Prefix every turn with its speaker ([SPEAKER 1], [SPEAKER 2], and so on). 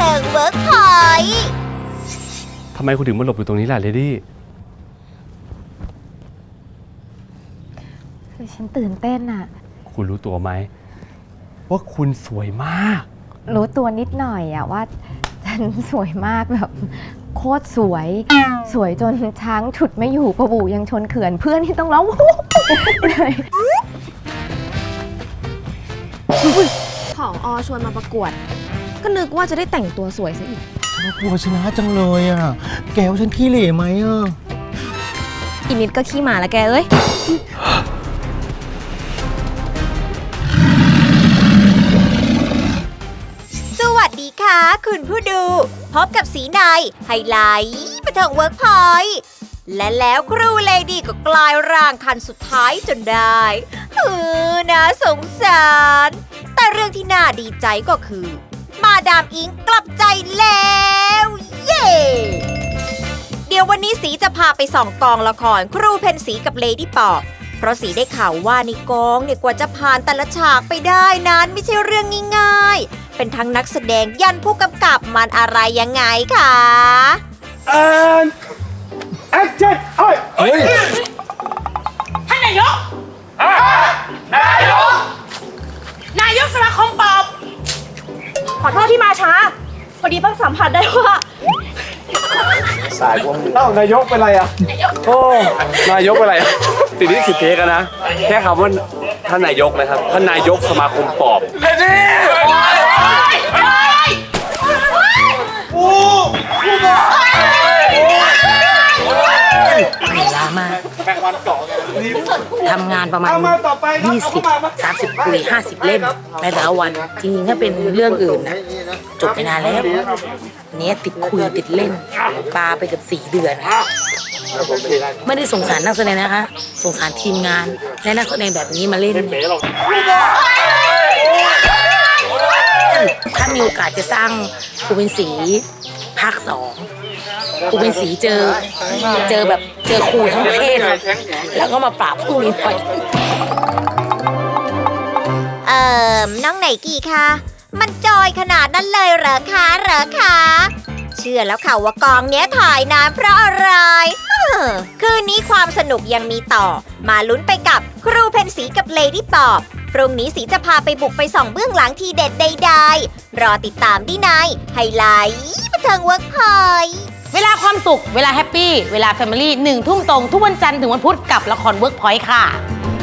[SPEAKER 1] ทิงเวิร์กพอยต์
[SPEAKER 2] ทำไมคุณถึงมาหลบอยู่ตรงนี้ล่ะเลดี้
[SPEAKER 3] คือฉันตื่นเต้นอะ
[SPEAKER 2] คุณรู้ตัวไหมว่าคุณสวยมาก
[SPEAKER 3] รู้ตัวนิดหน่อยอะว่าฉันสวยมากแบบโคตรสวย สวยจนช้างฉุดไม่อยู่ประบูยังชนเขื่อนเพื่อนที่ต้องร้องวู้เลย
[SPEAKER 4] ผอ.ชวนมาประกวด ก็นึกว่าจะได้แต่งตัวสวยซะอีก
[SPEAKER 5] น่ากลัวชนะจังเลยอ่ะ แกว่าฉันขี้เหร่ไหมอ่ะ
[SPEAKER 4] อีนิดก็ขี้หมาละแกเอ้ย
[SPEAKER 1] สวัสดีค่ะคุณผู้ดู พบกับสีในไฮไลท์บันเทิงเวิร์กพอยต์และแล้วครูเลดี้ก็กลายร่างคันสุดท้ายจนได้น่าสงสาร แต่เรื่องที่น่าดีใจก็คือ มาดามอิงกลับใจแล้ว เย้เดี๋ยววันนี้สีจะพาไปส่องกองละครครูเพนสีกับเลดี้ปอบเพราะสีได้ข่าวว่าในกองเนี่ยกว่าจะผ่านแต่ละฉากไปได้นั้นไม่ใช่เรื่องง่ายๆเป็นทั้งนักแสดงยันผู้กำกับมันอะไรยังไงคะ
[SPEAKER 6] and action เฮ้ย
[SPEAKER 7] ท่านนายก นายกสมาคมปอบ
[SPEAKER 4] ขอโทษที่มาช้า พอดีเพิ่งสัมผัสได้ว่า
[SPEAKER 6] สายพวกมึงนายกเป็นไรอ่ะโอ้นายกเป็นไรอ่ะติดที่10 เทคนะแค่คำว่าท่านนายกนะครับท่านนายกสมาคมปอบ
[SPEAKER 7] เหนื่อยล้ามากทำงานประมาณ20-30 คุย 50 เล่มในแต่ละวัน จริงๆ ถ้าเป็นเรื่องอื่นนะจบไปนานแล้ว เนี้ยติดคุยติดเล่นปาไปเกือบ4 เดือน ไม่ได้สงสารนักแสดงนะคะ สงสารทีมงาน และนักแสดงแบบนี้มาเล่น ถ้ามีโอกาสจะสร้างครูเป็นสีภาค 2ครูเป็นสีเจอครูทั้งประเทศแล้วก็มาปราบผู้นี้หน่อย
[SPEAKER 1] น้องไหนกี่คะมันจอยขนาดนั้นเลยเหรอคะเชื่อแล้วค่ะว่ากองเนี้ยถ่ายนานเพราะอะไรคืนนี้ความสนุกยังมีต่อมาลุ้นไปกับครูเพนสีกับเลดี้ปอบพรุ่งนี้สีจะพาไปบุกไปส่องเบื้องหลังทีเด็ดใดๆรอติดตามได้ในไฮไลท์บันเทิงเวิร์กพอยต์
[SPEAKER 7] เวลาความสุข เวลาแฮปปี้ เวลาแฟมิลี่ 1 ทุ่มตรงทุกวันจันทร์ถึงวันพุธกับละครเวิร์กพอยต์ค่ะ